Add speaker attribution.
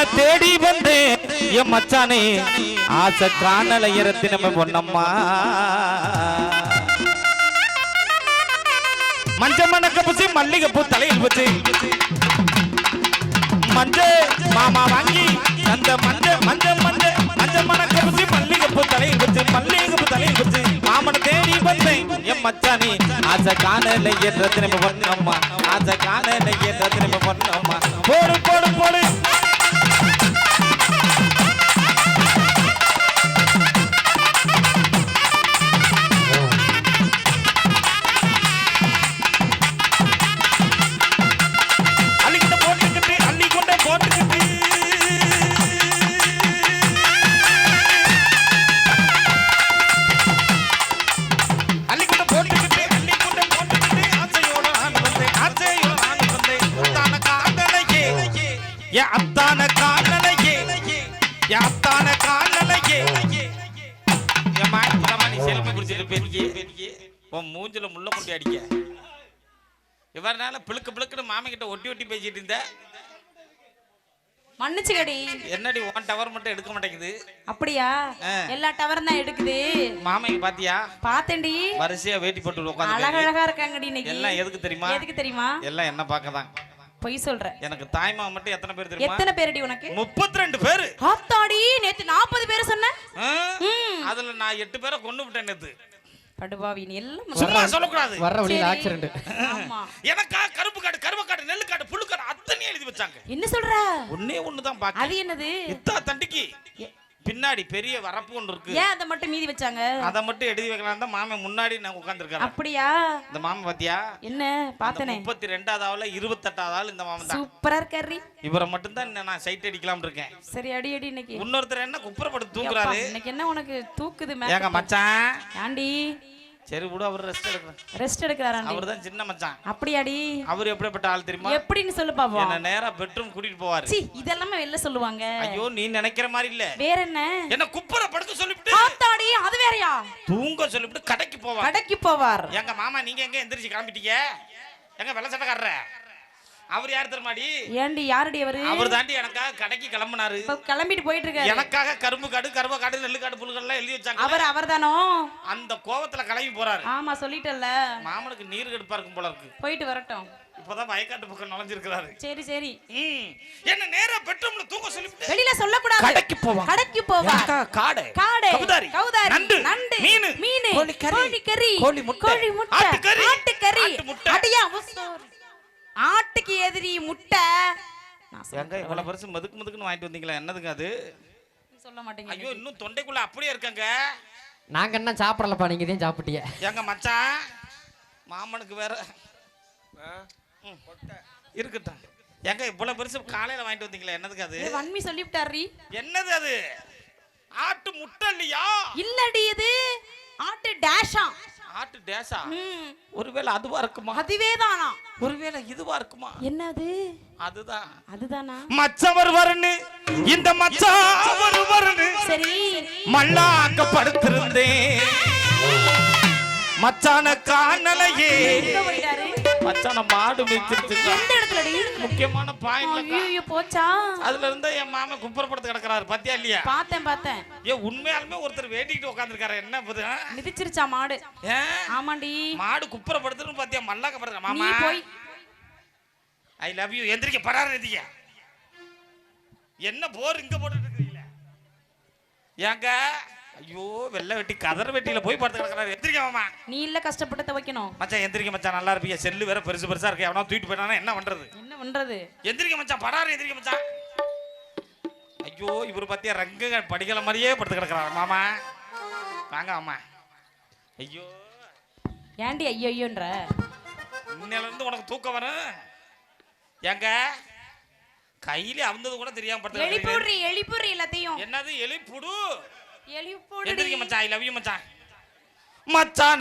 Speaker 1: தேடி வந்து என் மச்சானே ஆசை காணல இரத்தி நம்ம பொண்ணம்மா மஞ்ச மணக்க பூசி மல்லிகை பூ தலையில் வச்சு மஞ்ச மாமா வாங்கி அந்த மஞ்ச மஞ்ச மஞ்ச மஞ்ச மணக்க பூசி மல்லிகை பூ தலையில் வச்சு மல்லிகை பூ தலையில் வச்சு மாமனை தேடி வந்தேன் என் மச்சானே ஆசை காணல இரத்தி நம்ம பொண்ணம்மா ஆசை காணல இரத்தி நம்ம பொண்ணம்மா போடு போடு போடு அத்தான காணலையே அத்தான காணலையே என் மாயமா நீ செல்ஃபி குடிச்சிட்டு பெரிய உன் மூஞ்சில முள்ள முட்டி அடிக்க இவரனால பிளுக்கு பிளுக்குன்னு மாமி கிட்ட ஒட்டி ஒட்டி பேசிட்டு இருந்த
Speaker 2: மன்னிச்சுக்கடி
Speaker 1: என்னடி உன் டவர் மட்டும் எடுக்க மாட்டேங்குது
Speaker 2: அப்படியா எல்லா டவரும் தான் எடுக்குது
Speaker 1: மாமிக்கு பாத்தியா
Speaker 2: பாத்தேன்டி
Speaker 1: வரிசையா வேட்டி போட்டு உட்கார்ந்து
Speaker 2: அழகழகா இருக்காங்கடி இன்னைக்கு
Speaker 1: எல்லாம் எதுக்கு தெரியுமா
Speaker 2: எல்லாம்
Speaker 1: என்ன பார்க்கதான்
Speaker 2: பொய் சொல்ற
Speaker 1: எனக்கு தாய்மா மட்டும் எத்தனை பேர் தெரியுமா
Speaker 2: எத்தனை பேரடி உனக்கு
Speaker 1: 32 பேர்
Speaker 2: ஆத்தாடி நேத்து 40 பேர் சொன்ன
Speaker 1: அதுல நான் 8 பேரை கொன்னு விட்டேன் நேத்து
Speaker 2: படுபாவி நீ எல்லாம்
Speaker 1: சும்மா சொல்ல கூடாது
Speaker 3: வர வழியில ஆக்சிடென்ட்
Speaker 2: ஆமா
Speaker 1: எனக்கா கருப்பு காடு கருவ காடு நெல்லு காடு புல்லு காடு அத்தனை எழுதி வச்சாங்க
Speaker 2: என்ன சொல்ற
Speaker 1: ஒண்ணே ஒண்ணு தான் பாக்கி
Speaker 2: அது என்னது
Speaker 1: இத்தா தண்டிக்கு பின்னாடி பெரிய வரப்பு ஒன்று இருக்கு
Speaker 2: ஏன் அத மட்டும் மீதி வச்சாங்க
Speaker 1: அத மட்டும் எழுதி வைக்கலாம் தான் மாமே முன்னாடி நான் உட்கார்ந்திருக்கேன்
Speaker 2: அப்படியா
Speaker 1: இந்த மாமா பாத்தியா
Speaker 2: என்ன பார்த்தனே
Speaker 1: 32வது ஆவல 28வது ஆள் இந்த மாமா தான்
Speaker 2: சூப்பரா இருக்காரு
Speaker 1: இவரை மட்டும் தான் நான் சைட் அடிக்கலாம் இருக்கேன்
Speaker 2: சரி அடி அடி இன்னைக்கு
Speaker 1: இன்னொருத்தர் என்ன குப்புறப்பட்டு தூக்குறாரு
Speaker 2: இன்னைக்கு என்ன உனக்கு தூக்குது
Speaker 1: ஏங்க மச்சான்
Speaker 2: ஆண்டி
Speaker 1: சரி விடு அவர்
Speaker 2: ரெஸ்ட் எடுக்கறாரு
Speaker 1: அவர் தான் சின்ன மச்சான்
Speaker 2: அப்படியாடி
Speaker 1: அவர் எப்படிப்பட்ட ஆள் தெரியுமா
Speaker 2: எப்படின்னு சொல்லு பாப்போம்
Speaker 1: என்ன நேரா பெட்ரூம் கூட்டிட்டு போவாரு
Speaker 2: சீ இதெல்லாம் வெளில சொல்லுவாங்க
Speaker 1: ஐயோ நீ நினைக்கிற மாதிரி இல்ல
Speaker 2: வேற என்ன
Speaker 1: என்ன குப்புற படுக்க சொல்லிட்டு
Speaker 2: ஆத்தாடி அது வேறயா
Speaker 1: தூங்க சொல்லிட்டு கடைக்கு
Speaker 2: போவார்
Speaker 1: எங்க மாமா நீங்க எங்க எந்திரிச்சு கிளம்பிட்டீங்க எங்க வெள்ள சட்டக்காரர அவர் யார் தெரியுமாடி
Speaker 2: ஏண்டி யாரடி அவர்
Speaker 1: தாண்டி எனக்காக கடைக்கு கிளம்பினாரு
Speaker 2: இப்ப கிளம்பிட்டு போயிட்டு இருக்காரு
Speaker 1: எனக்காக கரும்பு காடு கருவ காடு நெல்லு காடு புல்கள் எல்லாம் எழுதி வச்சாங்க
Speaker 2: அவர்தானோ
Speaker 1: அந்த கோவத்துல கிளம்பி போறாரு
Speaker 2: ஆமா சொல்லிட்டல்ல
Speaker 1: மாமனுக்கு நீர் கெடுப்பா இருக்கும் போல இருக்கு
Speaker 2: போயிட்டு வரட்டும்
Speaker 1: இப்பதான் வயக்காட்டு பக்கம் நுழைஞ்சிருக்காரு
Speaker 2: சரி சரி
Speaker 1: என்ன நேரா பெட்ரூம்ல தூங்க சொல்லிட்டு
Speaker 2: வெளியில சொல்ல கூடாது
Speaker 1: கடைக்கு போவா
Speaker 2: காடை கௌதாரி நண்டு மீன் கோழி கறி கோழி முட்டை ஆட்டுக்கறி அடியா ஆட்டுக்கு எதிரி முட்டை
Speaker 1: எங்க இவ்வளவு பெருசு மதுக்குன்னு வாங்கிட்டு வந்தீங்களா என்னதுங்க அது
Speaker 2: சொல்ல மாட்டீங்க
Speaker 1: ஐயோ இன்னும் தொண்டைக்குள்ள அப்படியே இருக்காங்க
Speaker 3: நாங்க என்ன சாப்பிடலப்பா நீங்க தான் சாப்பிட்டீங்க
Speaker 1: எங்க மச்சான் மாமனுக்கு வேற இருக்கட்டும் எங்க இவ்வளவு பெருசு காலையில வாங்கிட்டு வந்தீங்களா என்னதுக்கு அது
Speaker 2: வன்மி சொல்லிவிட்டாரு
Speaker 1: என்னது அது ஆட்டு முட்டை இல்லையா
Speaker 2: இல்லடி இது ஆட்டு டேஷா
Speaker 1: ஆட்டு டேஷா ஒருவேளை அதுவா இருக்குமா
Speaker 2: அதுவேதானா
Speaker 1: ஒருவேளை இதுவா இருக்குமா
Speaker 2: என்னது
Speaker 1: அதுதானா மச்சவர் வரனு இந்த மச்சவர் வரனு
Speaker 2: சரி
Speaker 1: மல்லாக்க படுத்திருந்தேன் மச்சான காணலையே
Speaker 2: எங்க போயிட்டாரு
Speaker 1: மச்சான மாடு மேய்ச்சிருச்சு
Speaker 2: எந்த இடத்துலடி
Speaker 1: முக்கியமான பாயிண்ட்ல
Speaker 2: ஐயோ போச்சா
Speaker 1: அதுல இருந்து என் மாமன் குப்புறப்படுத்து கிடக்குறாரு பாத்தியா இல்லையா
Speaker 2: பார்த்தேன்
Speaker 1: ஏ உண்மையாலுமே ஒருத்தர் வேண்டிக்கிட்டு உட்கார்ந்திருக்காரு என்ன புது
Speaker 2: மிதிச்சிருச்சா மாடு ஆமாண்டி
Speaker 1: மாடு குப்புறப்படுத்துன்னு பாத்தியா மல்லாக்க படுற மாமா
Speaker 2: போய்
Speaker 1: ஐ லவ் யூ எந்திரிக்க படார எந்திரிக்க என்ன போர் இங்க போட்டுட்டு இருக்கீங்களா ஏங்க ஐயோ வெள்ளை வெட்டி கதற வெட்டியில போய் படுத்து கிடக்குறாரு எந்திரிக்க மாமா
Speaker 2: நீ இல்ல கஷ்டப்பட்டு துவைக்கணும்
Speaker 1: மச்சான் எந்திரிக்க மச்சான் நல்லா இருப்பீங்க செல்லு வேற பெருசு பெருசா இருக்கு எவனா தூக்கிட்டு போயிட்டானா என்ன பண்றது எந்திரிக்க மச்சான் படாரு எந்திரிக்க மச்சான் ஐயோ இவரு பாத்தியா ரங்க படிக்கல மாதிரியே படுத்து கிடக்குறாரு மாமா வாங்க மாமா ஐயோ
Speaker 2: ஏண்டி ஐயோன்ற
Speaker 1: இன்னையில இருந்து உனக்கு தூக்கம் வரும் ஏங்க கையில அவுந்தது கூட தெரியாம படுத்து
Speaker 2: எலிப்புடி எல்லாத்தையும்
Speaker 1: என்னது எலிப்புடு
Speaker 2: எலிப்புடி
Speaker 1: எந்திரிக்க மச்சான் ஐ லவ் யூ மச்சான்